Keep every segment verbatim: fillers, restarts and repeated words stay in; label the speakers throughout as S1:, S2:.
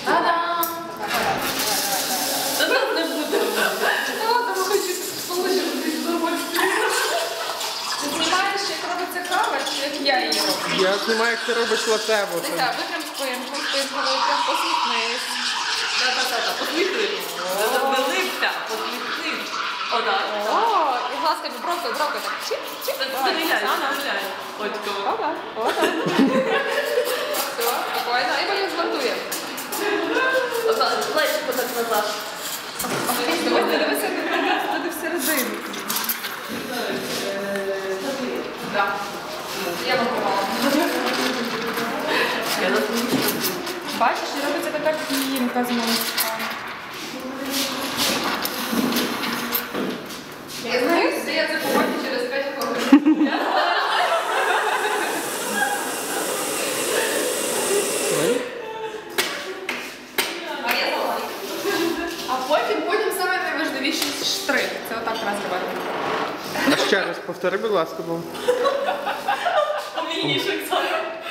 S1: Та-дам!
S2: Та нас не буде.
S1: Ладно, ви хочете получити десь удовольствие. Ти знімаєш, як робиться кава, чи як я її роблю?
S3: Я знімаю, як ти робиш латеву.
S1: Дивіться, витрим спинку, спинку, прям посміхнись.
S2: Та-та-та, посміхнись. Велика, посміхнись. Отак.
S1: О, і глазками бровкою, бровкою так чик-чик.
S2: Стріляй, стріляй. Очко.
S1: Опа, опа. Все, спокійно. І потім змонтуємо.
S2: Плечко так назад.
S1: Дивися, дивися, туди всередину. Так. Я вам попала. Бачиш, і робиться така пінка з молочка. Я знаю, що я це побачу через п'ять хвилин. А я знаю. А потім, потім саме найважливіший штрих. Це отак треба зробити.
S3: А ще раз повтори, будь ласка, бо.
S2: Помійнішок сам.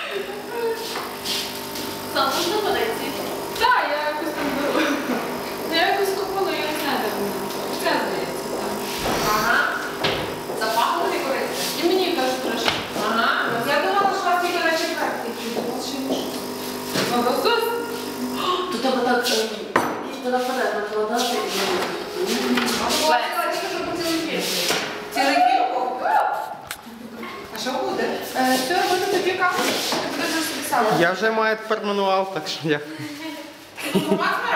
S2: Сам можна подойти?
S1: Так, я якось там беру. Ну, я якось купила, я не знаю, де вона. Це здається, так. Ага. Запахло і корисно. І мені кажуть трошки. Ага. Я думала, що вас тільки на четвертий чуть. У вас ще не щось. Ну, просто...
S2: То треба так, туди вперед накладати.
S1: Цілий кілку? А що буде? Це робити тобі каву? Ти будеш собі сама.
S3: Я вже маю тепер мануал, так що я.
S1: Допомагай?